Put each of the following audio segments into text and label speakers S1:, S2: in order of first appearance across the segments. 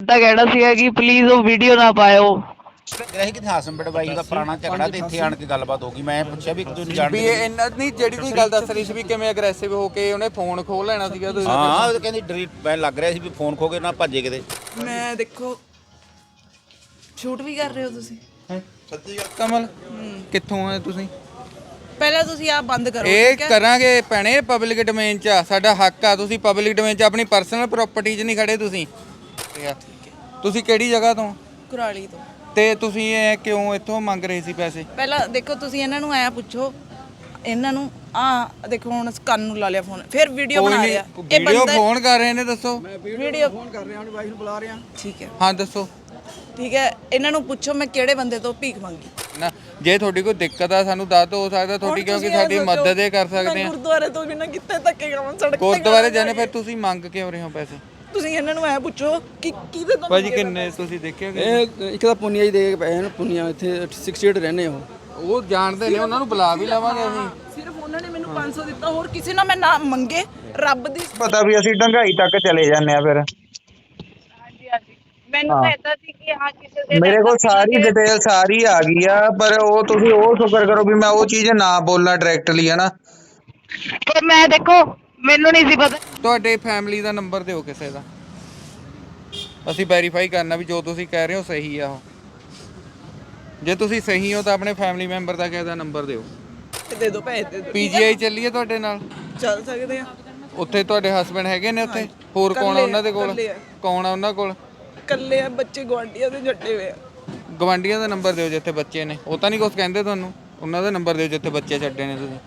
S1: ਤਾਂ ਕਹਿਣਾ ਸੀਗਾ ਕਿ ਪਲੀਜ਼ ਉਹ ਵੀਡੀਓ ਨਾ ਪਾਇਓ।
S2: ਗ੍ਰਹਿ ਕਿਥੇ ਹਸਬੰਡ ਵਾਈਫ ਦਾ ਪੁਰਾਣਾ ਝਗੜਾ ਤੇ ਇੱਥੇ ਆਣ ਕੇ ਗੱਲਬਾਤ ਹੋ ਗਈ। ਮੈਂ ਪੁੱਛਿਆ ਵੀ ਤੁਸੀਂ
S3: ਵੀ
S2: ਜਾਣਦੇ
S3: ਇਹਨਾਂ ਨਹੀਂ ਜਿਹੜੀ ਤੁਸੀਂ ਗੱਲ ਦੱਸ ਰਹੀ ਸੀ ਵੀ ਕਿਵੇਂ ਅਗਰੈਸਿਵ ਹੋ ਕੇ ਉਹਨੇ ਫੋਨ ਖੋਹ ਲੈਣਾ ਸੀਗਾ ਤੁਸੀਂ
S2: ਹਾਂ ਉਹ ਕਹਿੰਦੀ ਡਿਲੀਟ ਮੈਂ ਲੱਗ ਰਿਹਾ ਸੀ ਵੀ ਫੋਨ ਖੋ ਕੇ ਨਾ ਭੱਜੇ ਕਿਤੇ।
S4: ਮੈਂ ਦੇਖੋ ਸ਼ੂਟ ਵੀ ਕਰ ਰਹੇ ਹੋ ਤੁਸੀਂ।
S3: ਸੱਚੀ ਗੱਲ ਕਮਲ ਕਿੱਥੋਂ ਆ ਤੁਸੀਂ?
S4: ਪਹਿਲਾਂ ਤੁਸੀਂ ਆਪ ਬੰਦ ਕਰੋ।
S3: ਇਹ ਕਰਾਂਗੇ ਭੈਣੇ ਪਬਲਿਕ ਡੋਮੇਨ 'ਚ ਆ, ਸਾਡਾ ਹੱਕ ਆ। ਤੁਸੀਂ ਪਬਲਿਕ ਡੋਮੇਨ 'ਚ ਆਪਣੀ ਪਰਸਨਲ ਪ੍ਰਾਪਰਟੀ 'ਚ ਨਹੀਂ ਖੜੇ ਤੁਸੀਂ। ਤੁਸੀਂ ਕਿਹੜੀ ਜਗ੍ਹਾ ਤੋਂ?
S4: ਕੁਰਾਲੀ ਤੋਂ।
S3: ਤੇ ਤੁਸੀਂ ਇਹ ਕਿਉਂ ਇੱਥੋਂ ਮੰਗ ਰਹੇ ਸੀ ਪੈਸੇ?
S4: ਪਹਿਲਾਂ ਦੇਖੋ ਤੁਸੀਂ ਇਹਨਾਂ ਨੂੰ ਐ ਪੁੱਛੋ, ਇਹਨਾਂ ਨੂੰ ਦੇਖੋ ਹੁਣ ਕੰਨ ਨੂੰ ਲਾ ਲਿਆ ਫੋਨ, ਫਿਰ ਵੀਡੀਓ ਬਣਾ ਰਿਹਾ। ਇਹ
S3: ਵੀਡੀਓ
S4: ਬੰਦਾ
S3: ਫੋਨ ਕਰ ਰਹੇ ਨੇ, ਦੱਸੋ।
S4: ਵੀਡੀਓ ਫੋਨ ਕਰ ਰਿਹਾ, ਆਪਣੀ ਵਾਈਫ ਨੂੰ ਬੁਲਾ ਰਿਹਾ। ਠੀਕ ਹੈ
S3: ਹਾਂ ਦੱਸੋ।
S4: ਠੀਕ ਹੈ, ਇਹਨਾਂ ਨੂੰ ਪੁੱਛੋ ਮੈਂ ਕਿਹੜੇ ਬੰਦੇ ਤੋਂ ਭੀਖ ਮੰਗੀ
S3: ਨਾ ਜੇ ਤੁਹਾਡੀ ਕੋਈ ਦਿੱਕਤ ਆ ਸਾਨੂੰ ਦੱਸ ਹੋ ਸਕਦਾ ਤੁਹਾਡੀ, ਕਿਉਂਕਿ ਸਾਡੀ ਮਦਦ ਇਹ ਕਰ ਸਕਦੇ ਆ।
S4: ਗੁਰਦੁਆਰੇ ਤੋਂ ਬਿਨਾਂ ਕਿੱਥੇ ਧੱਕੇ ਖਾਵਾਂ ਸੜਕ ਤੇ?
S3: ਗੁਰਦੁਆਰੇ ਜਾਣੇ ਫਿਰ ਤੁਸੀਂ ਮੰਗ ਕਿਉਂ ਰਹੇ ਹੋ ਪੈਸੇ?
S4: ਤੁਸੀਂ ਇਹਨਾਂ ਨੂੰ ਐ ਪੁੱਛੋ ਕਿ ਕਿਹਦੇ ਤੋਂ
S3: ਭਾਜੀ ਕਿੰਨੇ ਤੁਸੀਂ ਦੇਖਿਆ ਕਿ
S5: ਇਹ ਇੱਕ ਤਾਂ ਪੁੰਨੀਆ ਹੀ ਦੇ ਕੇ ਪਏ ਹਨ। ਪੁੰਨੀਆ ਇੱਥੇ 68 ਰਹਿੰਦੇ
S3: ਉਹ ਜਾਣਦੇ ਨੇ, ਉਹਨਾਂ ਨੂੰ ਬੁਲਾ ਵੀ ਲਵਾਂਗੇ ਅਸੀਂ।
S4: ਸਿਰਫ ਉਹਨਾਂ ਨੇ ਮੈਨੂੰ 500 ਦਿੱਤਾ, ਹੋਰ ਕਿਸੇ ਨਾਲ ਮੈਂ ਨਾ ਮੰਗੇ। ਰੱਬ ਦੀ
S6: ਪਤਾ ਵੀ ਅਸੀਂ ਡੰਗਾਈ ਤੱਕ ਚਲੇ ਜਾਂਦੇ ਆ। ਫਿਰ
S1: ਮੈਨੂੰ ਤਾਂ ਏਦਾਂ ਸੀ ਕਿ ਹਾਂ ਕਿਸੇ ਦੇ
S6: ਮੇਰੇ ਕੋਲ ਸਾਰੀ ਡਿਟੇਲ ਸਾਰੀ ਆ ਗਈ ਆ, ਪਰ ਉਹ ਤੁਸੀਂ ਉਹ ਸ਼ੁਕਰ ਕਰੋ ਵੀ ਮੈਂ ਉਹ ਚੀਜ਼ ਨਾ ਬੋਲਣਾ ਡਾਇਰੈਕਟਲੀ, ਹੈ ਨਾ।
S1: ਪਰ ਮੈਂ ਦੇਖੋ ਮੈਨੂੰ ਨਹੀਂ ਸੀ ਪਤਾ।
S3: ਤੁਹਾਡੇ ਫੈਮਿਲੀ ਦਾ ਨੰਬਰ ਦਿਓ ਕਿਸੇ ਦਾ, ਅਸੀਂ ਵੈਰੀਫਾਈ ਕਰਨਾ ਵੀ ਜੋ ਤੁਸੀਂ ਕਹਿ ਰਹੇ ਹੋ ਸਹੀ ਆ। ਉਹ ਜੇ ਤੁਸੀਂ ਸਹੀ ਹੋ ਤਾਂ ਆਪਣੇ ਫੈਮਿਲੀ ਮੈਂਬਰ ਦਾ ਕਿਸੇ ਦਾ ਨੰਬਰ ਦਿਓ।
S4: ਦੇ ਦਿਓ, ਪੈਸੇ ਦੇ ਦਿਓ।
S3: ਪੀਜੀਆਈ ਚੱਲੀਏ ਤੁਹਾਡੇ ਨਾਲ?
S4: ਚੱਲ ਸਕਦੇ ਆ।
S3: ਉੱਥੇ ਤੁਹਾਡੇ ਹਸਬੰਡ ਹੈਗੇ ਨੇ ਉੱਥੇ? ਹੋਰ ਕੌਣ ਆ ਉਹਨਾਂ ਦੇ ਕੋਲ? ਕੌਣ ਆ ਉਹਨਾਂ ਕੋਲ?
S4: ਕੱਲੇ ਆ, ਬੱਚੇ ਗਵਾਂਢੀਆਂ ਦੇ ਜੱਟੇ ਹੋਏ ਆ।
S3: ਗਵਾਂਢੀਆਂ ਦਾ ਨੰਬਰ ਦਿਓ ਜਿੱਥੇ ਬੱਚੇ ਨੇ। ਉਹ ਤਾਂ ਨਹੀਂ ਕੁਝ ਕਹਿੰਦੇ ਤੁਹਾਨੂੰ? ਉਹਨਾਂ ਦਾ ਨੰਬਰ ਦਿਓ ਜਿੱਥੇ ਬੱਚੇ ਛੱਡੇ ਨੇ ਤੁਸੀਂ।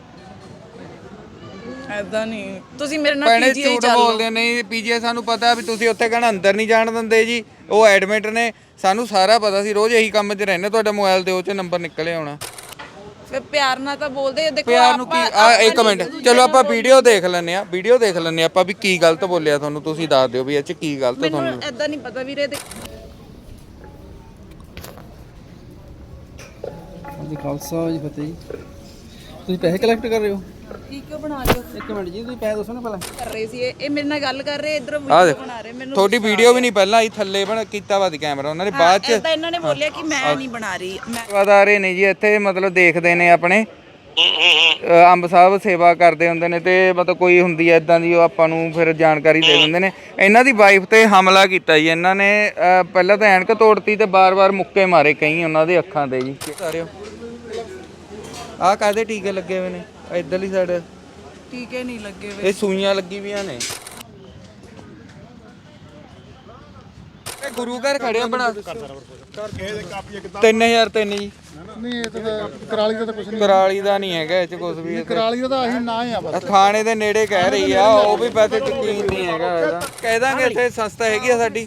S4: ਐਦਾਂ ਨਹੀਂ, ਤੁਸੀਂ ਮੇਰੇ ਨਾਲ
S3: ਭੈਣੇ
S4: ਪੀਜੀਆਈ
S3: ਝੂਠ
S4: ਚੱਲ
S3: ਬੋਲਦੇ ਨਹੀਂ। ਪੀਜੀਆਈ ਸਾਨੂੰ ਪਤਾ ਵੀ ਤੁਸੀਂ ਉੱਥੇ ਕਹਿਣਾ ਅੰਦਰ ਨਹੀਂ ਜਾਣ ਦਿੰਦੇ ਜੀ, ਉਹ ਐਡਮਿਟ ਨੇ। ਸਾਨੂੰ ਸਾਰਾ ਪਤਾ ਸੀ, ਰੋਜ਼ ਇਹੀ ਕੰਮ 'ਚ ਰਹਿੰਦੇ। ਤੁਹਾਡਾ ਮੋਬਾਈਲ ਦੇ ਉਹ 'ਚ ਨੰਬਰ ਨਿਕਲੇ ਆਉਣਾ।
S4: ਫਿਰ ਪਿਆਰ ਨਾਲ ਤਾਂ ਬੋਲਦੇ। ਦੇਖੋ
S3: ਪਿਆਰ ਨੂੰ ਕੀ ਇੱਕ ਮਿੰਟ ਚਲੋ ਆਪਾਂ ਵੀਡੀਓ ਦੇਖ ਲੈਂਦੇ ਆ। ਵੀਡੀਓ ਦੇਖ ਲੈਂਦੇ ਆ ਆਪਾਂ ਵੀ ਕੀ ਗਲਤ ਬੋਲਿਆ ਤੁਹਾਨੂੰ। ਤੁਸੀਂ ਦੱਸ ਦਿਓ ਵੀ ਇਹ 'ਚ ਕੀ ਗਲਤ ਤੁਹਾਨੂੰ।
S4: ਮੈਨੂੰ ਐਦਾਂ ਨਹੀਂ ਪਤਾ ਵੀਰੇ।
S5: ਜੀ ਖਾਲਸਾ ਜੀ ਫਤਿਹ ਜੀ। ਤੁਸੀਂ ਪੈਸੇ ਕਲੈਕਟ ਕਰ ਰਹੇ ਹੋ?
S4: ਕੀ ਕਿਉਂ ਬਣਾ ਰਹੇ ਹੋ?
S5: ਇੱਕ ਮਿੰਟ ਜੀ, ਤੁਸੀਂ ਪੈਸੇ ਦੱਸੋ ਨਾ ਪਹਿਲਾਂ।
S4: ਕਰ ਰਹੇ ਸੀ ਇਹ ਮੇਰੇ ਨਾਲ ਗੱਲ ਕਰ ਰਹੇ, ਇਧਰ
S3: ਆ
S4: ਵੀਡੀਓ
S3: ਦੇਖ
S4: ਬਣਾ ਰਹੇ। ਮੈਨੂੰ
S3: ਤੁਹਾਡੀ ਵੀਡੀਓ ਵੀ ਨਹੀਂ ਪਹਿਲਾਂ ਆਈ, ਥੱਲੇ ਬਣ ਕੀਤਾ ਵਾ ਦੀ ਕੈਮਰਾ ਉਹਨਾਂ ਨੇ ਬਾਅਦ 'ਚ।
S4: ਐਦਾਂ ਇਹਨਾਂ ਨੇ ਬੋਲਿਆ ਕਿ ਮੈਂ ਨਹੀਂ ਬਣਾ ਰਹੀ। ਮੈਂ
S3: ਸੇਵਾਦਾਰੇ ਨੇ ਜੀ ਇੱਥੇ, ਮਤਲਬ ਦੇਖਦੇ ਨੇ ਆਪਣੇ ਅੰਬ ਸਾਹਿਬ ਸੇਵਾ ਕਰਦੇ ਹੁੰਦੇ ਨੇ, ਤੇ ਮਤਲਬ ਕੋਈ ਹੁੰਦੀ ਐ ਇਦਾਂ ਦੀ, ਉਹ ਆਪਾਂ ਨੂੰ ਫਿਰ ਜਾਣਕਾਰੀ ਦੇ ਦਿੰਦੇ ਨੇ। ਇਹਨਾਂ ਦੀ ਵਾਈਫ ਤੇ ਹਮਲਾ ਕੀਤਾ ਜੀ ਇਹਨਾਂ ਨੇ। ਪਹਿਲਾਂ ਤਾਂ ਐਨਕ ਤੋੜਤੀ ਤੇ ਬਾਰ-ਬਾਰ ਮੁੱਕੇ ਮਾਰੇ ਕਈ ਉਹਨਾਂ ਦੇ ਅੱਖਾਂ ਤੇ ਜੀ। ਆਹ ਕਾਹਦੇ ਟੀਕੇ ਲੱਗੇ ਹੋਏ ਨੇ ਇੱਧਰਲੀ ਸਾਈਡ?
S4: ਟੀਕੇ ਨਹੀਂ ਲੱਗੇ ਵੇ।
S3: ਇਹ ਸੂਈਆਂ ਲੱਗੀ ਵੀਆਂ ਨੇ। ਇਹ ਗੁਰੂ ਘਰ ਖੜੇ ਆ ਬਣਾ 3003 ਜੀ।
S7: ਨਹੀਂ ਇਹ ਤਾਂ ਕਰਾਲੀ ਦਾ ਤਾਂ ਕੁਝ ਨਹੀਂ।
S3: ਕਰਾਲੀ ਦਾ ਨਹੀਂ ਹੈਗਾ ਇਹ 'ਚ ਕੁਝ ਵੀ।
S7: ਕਰਾਲੀ ਦਾ ਤਾਂ ਆਹੀ ਨਾਂ ਹੀ ਆ ਬਸ।
S3: ਥਾਣੇ ਦੇ ਨੇੜੇ ਕਹਿ ਰਹੀ ਆ, ਉਹ ਵੀ ਵੈਸੇ ਯਕੀਨ ਨਹੀਂ ਹੈਗਾ ਇਹਦਾ। ਕਹਿ ਦਾਂਗੇ ਇੱਥੇ ਸੰਸਥਾ ਹੈਗੀ ਆ ਸਾਡੀ।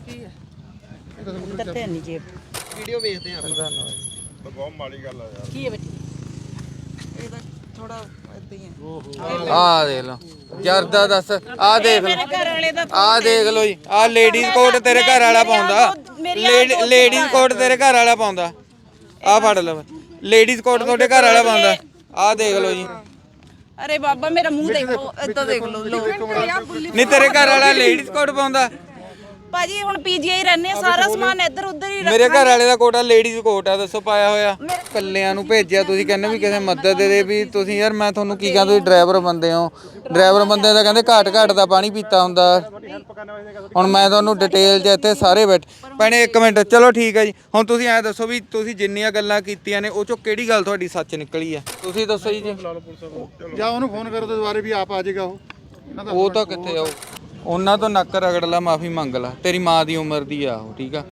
S5: ਵੀਡੀਓ ਵੇਖਦੇ ਆ ਆਪਾਂ।
S7: ਬਹੁਤ ਮਾੜੀ ਗੱਲ ਆ ਯਾਰ।
S4: ਕੀ ਹੈ ਬੇਟੀ? ਇਹ ਤਾਂ ਥੋੜਾ ਇਦਾਂ ਹੀ ਹੈ।
S3: ਆਹ ਦੇਖ ਲਓ ਜਰਦਾ ਦੱਸ। ਆਹ ਦੇਖ ਲਓ,
S4: ਮੇਰੇ ਘਰ ਵਾਲੇ ਦਾ
S3: ਆਹ ਦੇਖ ਲਓ ਜੀ। ਆਹ ਲੇਡੀਜ਼ ਕੋਟ ਤੇਰੇ ਘਰ ਵਾਲਾ ਪਾਉਂਦਾ। ਲੇਡੀਜ਼ ਕੋਟ ਤੇਰੇ ਘਰ ਵਾਲਾ ਪਾਉਂਦਾ। ਆਹ ਫੜ ਲਓ, ਲੇਡੀਜ਼ ਕੋਟ ਤੁਹਾਡੇ ਘਰ ਵਾਲਾ ਪਾਉਂਦਾ। ਆਹ ਦੇਖ ਲਓ ਜੀ।
S4: ਅਰੇ ਬਾਬਾ ਮੇਰਾ ਮੂੰਹ ਦੇਖੋ, ਏਦਾਂ ਦੇਖ ਲਓ।
S3: ਨਹੀਂ ਤੇਰੇ ਘਰ ਵਾਲਾ ਲੇਡੀਜ਼ ਕੋਟ ਪਾਉਂਦਾ?
S4: ਭਾਜੀ ਹੁਣ ਪੀਜੀਆਈ ਰਹਿੰਦੇ ਆ, ਸਾਰਾ ਸਮਾਨ ਇੱਧਰ ਉੱਧਰ ਹੀ
S3: ਮੇਰੇ ਘਰ ਵਾਲੇ ਦਾ ਕੋਟ ਆ, ਲੇਡੀਜ਼ ਕੋਟ ਆ, ਦੱਸੋ ਪਾਇਆ ਹੋਇਆ। ਕੱਲਿਆਂ ਨੂੰ ਭੇਜਿਆ ਤੁਸੀਂ, ਕਹਿੰਦੇ ਵੀ ਕਿਸੇ ਮਦਦ ਦੇ ਵੀ ਤੁਸੀਂ। ਯਾਰ ਮੈਂ ਤੁਹਾਨੂੰ ਕੀ ਕਹਿੰਦਾ, ਤੁਸੀਂ ਡਰਾਈਵਰ ਬੰਦੇ ਹੋ। ਡਰਾਈਵਰ ਬੰਦੇ ਦਾ ਕਹਿੰਦੇ ਘਾਟ ਦਾ ਪਾਣੀ ਪੀਤਾ ਹੁੰਦਾ। ਹੁਣ ਮੈਂ ਤੁਹਾਨੂੰ ਡਿਟੇਲ 'ਚ ਇੱਥੇ ਸਾਰੇ ਭੈਣੇ ਇੱਕ ਮਿੰਟ ਚਲੋ ਠੀਕ ਹੈ ਜੀ। ਹੁਣ ਤੁਸੀਂ ਐਂ ਦੱਸੋ ਵੀ ਤੁਸੀਂ ਜਿੰਨੀਆਂ ਗੱਲਾਂ ਕੀਤੀਆਂ ਨੇ ਉਹ 'ਚੋਂ ਕਿਹੜੀ ਗੱਲ ਤੁਹਾਡੀ ਸੱਚ ਨਿਕਲੀ ਆ? ਤੁਸੀਂ ਦੱਸੋ ਜੀ।
S7: ਜਾਂ ਉਹਨੂੰ ਫੋਨ ਕਰੋ ਤੇ ਦੁਬਾਰੇ ਵੀ ਆਪ ਆ ਜਾਏਗਾ ਉਹ।
S3: ਉਹ ਤਾਂ ਕਿੱਥੇ ਆਓ, ਉਹਨਾਂ ਤੋਂ ਨੱਕ ਰਗੜ ਲਾ, ਮਾਫੀ ਮੰਗ ਲਾ। ਤੇਰੀ ਮਾਂ ਦੀ ਉਮਰ ਦੀ ਆ ਉਹ, ਠੀਕ ਆ।